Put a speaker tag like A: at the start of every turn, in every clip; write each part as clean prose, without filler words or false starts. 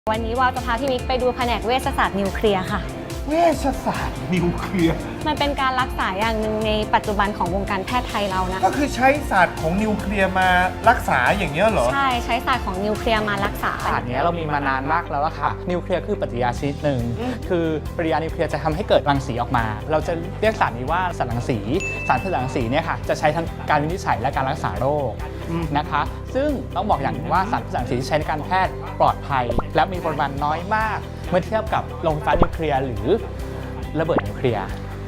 A: วันนี้วาวจะพาพี่มิกไปดูแผนกเวชศาสตร์นิวเคลียร์ค่ะ
B: เวชศาสตร์นิวเคลียร์
A: มันเป็นการรักษาอย่างหนึ่งในปัจจุบันของวงการแพทย์ไทยเรานะ
B: ก็คือใช้ศาสตร์ของนิวเคลียร์มารักษาอย่างเงี้ยเหรอ
A: ใช่ใช้ศาสตร์ของนิวเคลียร์มารักษา
C: ศาสตร์นี้เรามีมานานมากแล้วค่ะนิวเคลียร์คือปฏิกิริยาชนิดหนึ่งคือปฏิกิริยานิวเคลียร์จะทำให้เกิดรังสีออกมา เราจะเรียกสารนี้ว่าสารรังสีสารรังสีเนี่ยค่ะจะใช้ทั้งการวินิจฉัยและการรักษาโรคนะคะซึ่งต้องบอกอย่างหนึ่งว่าสารรังสีที่ใช้ในการแพทย์ปลอดภัยและมีปริมาณน้อยมากเมื่อเทียบกับโรงไฟฟ้านิวเคลียร์หรือระเบิดนิวเคลียร์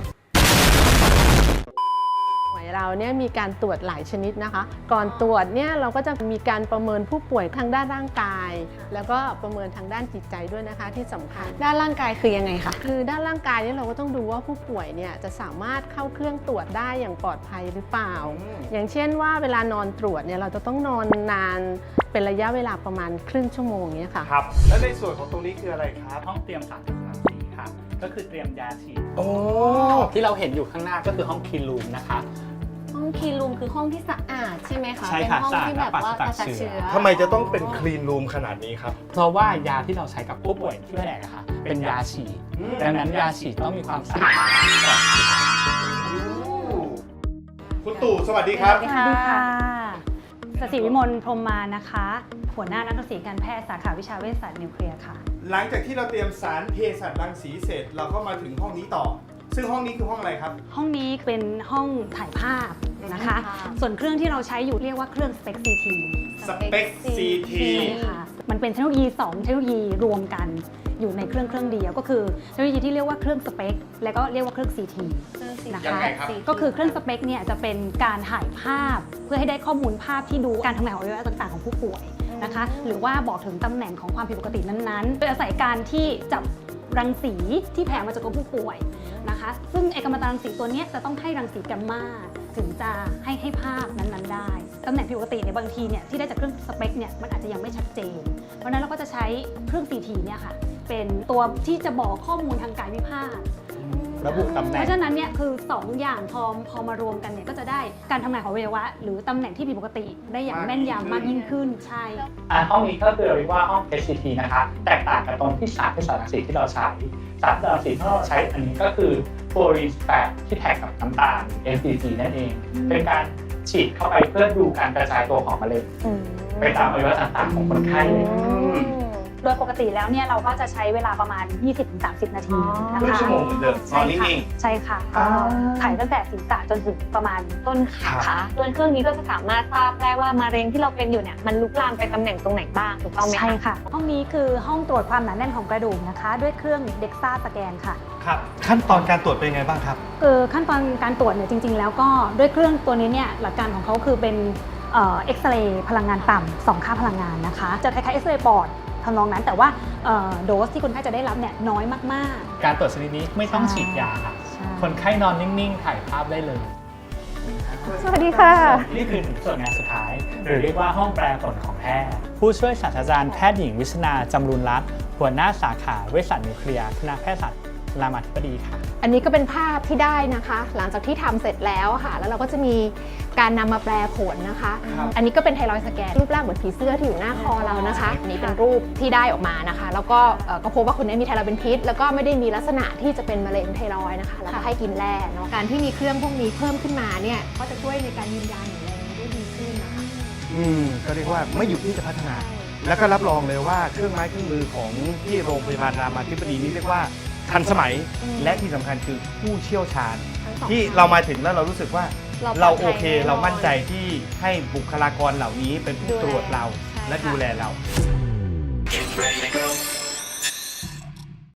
D: เราเนี่ยมีการตรวจหลายชนิดนะคะ ก่อนตรวจเนี่ยเราก็จะมีการประเมินผู้ป่วยทางด้านร่างกายแล้วก็ประเมินทางด้านจิตใจด้วยนะคะที่สำคัญ
A: ด้านร่างกายคือยังไงคะ
D: คือด้านร่างกายเนี่ยเราก็ต้องดูว่าผู้ป่วยเนี่ยจะสามารถเข้าเครื่องตรวจได้อย่างปลอดภัยหรือเปล่าอย่างเช่นว่าเวลานอนตรวจเนี่ยเราจะต้องนอนนานเป็นระยะเวลาประมาณครึ่งชั่วโมงเนี่ยค่ะ
B: ครับแล้วในส่วนของตรงนี้คืออะไรครับ
C: ห้องเตรียมสารรังสีค่ะก็คือเตรียมยาฉีด
B: โอ้
C: ที่เราเห็นอยู่ข้างหน้าก็คือห้องคีนรูมนะคะ
A: ห้องคีนรูมคือห้องที่สะอาดใช่ไหมคะ
C: ใช่
A: เป็นห้อง
C: ค่ะ
A: ที่แบบว่ากระจัดเชื้อ
B: ทำไมจะต้องเป็นคลีนรูมขนาดนี้ครับ
C: เพราะว่ายาที่เราใช้กับผู้ป่วยที่แผนกนะคะเป็นยาฉีดดังนั้นยาฉีดต้องมีความสะอาดปลอดภัย
B: คุณตู่สวัสดีครับ
E: สวัสดีค่ะสศิวิมลพรหมมานะคะหัวหน้านักศึกษาการแพทย์สาขาวิชาเวชศาสตร์นิวเคลียร์ค่ะ
B: หลังจากที่เราเตรียมสารเภสัชรังสีเสร็จเราก็มาถึงห้องนี้ต่อซึ่งห้องนี้คือห้องอะไรครับ
E: ห้องนี้เป็นห้องถ่ายภาพนะคะส่วนเครื่องที่เราใช้อยู่เรียกว่าเครื่อง SPECT CT
B: SPECT CT
E: ค่ะมันเป็นเทคโนโลยี2เทคโนโลยีรวมกันอยู่ในเครื่องเดียวก็คือเทคโนโลยีที่เรียกว่าเครื่อง SPECT และก็เรียกว่าเครื่อง CT นะคะก็คือเครื่อง SPECT เนี่ยจะเป็นการถ่ายภาพเพื่อให้ได้ข้อมูลภาพที่ดูการทำงานของอวัยวะต่างๆของผู้ป่วยนะคะหรือว่าบอกถึงตำแหน่งของความผิดปกตินั้นๆโดยอาศัยการที่จับรังสีที่แผ่มาจากตัวผู้ป่วยนะคะซึ่งกัมมันตรังสีตัวนี้จะต้องให้รังสีแกมมาถึงจะให้ภาพนั้นๆได้ตำแหน่งผิดปกติเนี่ยบางทีเนี่ยที่ได้จากเครื่องสเปกเนี่ยมันอาจจะยังไม่ชัดเจนเพราะฉะนั้นเราก็จะใช้เครื่อง CT เนี่ยค่ะเป็นตัวที่จะบอกข้อมูลทางกายวิภาค
C: ระบุตำแหน่ง
E: เพราะฉะนั้นเนี่ยคือ2อย่างพอมารวมกันเนี่ยก็จะได้การทำงานของอวัยวะหรือตำแหน่งที่ผิดปกติได้อย่างแม่นยำมากยิ่งขึ้นใช่
C: ห้องนี้ก็คือเรียกว่าห้อง HCT นะคะแตกต่างกับตรงที่สารรังสีที่เราใช้สารรังสีที่เราใช้อันนี้ก็คือฟลูออรีน8ที่แท็กกับน้ำตาล NCC นั่นเองเป็นการฉีดเข้าไปเพื่อดูการกระจายตัวของมะเร็งไปตามอวัยวะต่างๆของคนไข้
E: โดยปกติแล้วเนี่ยเราก็จะใช้เวลาประมาณ 20-30 นาทีนะคะ
B: ครึ่งชั่วโมงเหมือนเดิมนอนนิ่ง
E: ๆใช่ค่ะถ่ายตั้งแต่ศีรษะจนถึงประมาณต้นขา
A: ตัวเครื่องนี้ก็จะสามารถทราบได้ว่ามะเร็งที่เราเป็นอยู่เนี่ยมันลุกลามไปตำแหน่งตรงไหนบ้างถูกต้องไหมคะ
E: ใช่ค่ะห้องนี้คือห้องตรวจความหนาแน่นของกระดูกนะคะด้วยเครื่อง DEXA สแกนค่ะ
B: ครับขั้นตอนการตรวจเป็นไงบ้างครับ
E: ขั้นตอนการตรวจเนี่ยจริงๆแล้วก็ด้วยเครื่องตัวนี้เนี่ยหลักการของเขาคือเป็นเอ็กซเรย์พลังงานต่ำ2ค่าพลังงานนะคะจะคล้ายๆเอ็กซเรย์ปอดทำนองนั้นแต่ว่าโดสที่คนไข้จะได้รับเนี่ยน้อยมาก
C: ๆการตรวจชนิดนี้ไม่ต้องฉีดยาค่ะคนไข้นอนนิ่งๆถ่ายภาพได้เลย
E: สวัสดีค่ะ
C: นี่คือส่วนงานสุดท้ายหรือเรียกว่าห้องแปลผลของแพทย์ผู้ช่วยศาสตราจารย์แพทย์หญิงวิชนาจำรูนรัตน์หัวหน้าสาขาเวชศาสตร์นิวเคลียร์คณะแพทยศาสตร์รามาธิบดีค่ะ
D: อันนี้ก็เป็นภาพที่ได้นะคะหลังจากที่ทำเสร็จแล้วค่ะแล้วเราก็จะมีการนำมาแปลผลนะคะอันนี้ก็เป็นไทรอยด์สแกนรูปร่างเหมือนผีเสื้อที่อยู่หน้าคอเรานะคะอันนี้เป็นรูปที่ได้ออกมานะคะแล้วก็พบว่าคนนี้มีไทรอยด์เป็นพิษแล้วก็ไม่ได้มีลักษณะที่จะเป็นมะเร็งไทรอยด์นะคะแล้วก็ให้กินแร่เนาะการที่มีเครื่องพวกนี้เพิ่มขึ้นมาเนี่ยก็จะช่วยในการยืนยันอย่างไรได้ดีขึ้นนะคะ
B: ก็เรียกว่าไม่หยุดที่จะพัฒนาแล้วก็รับรองเลยว่าเครื่องไม้เครื่องมือของที่โรงพยาบาลรามาธิบดีนี่เรียกว่าทันสมัยและที่สำคัญคือผู้เชี่ยวชาญที่เรามาถึงแล้วเรารู้สึกว่าเราโอเคเรามั่นใจที่ให้บุคลากรเหล่านี้เป็นผู้ตรวจเราและดูแลเรา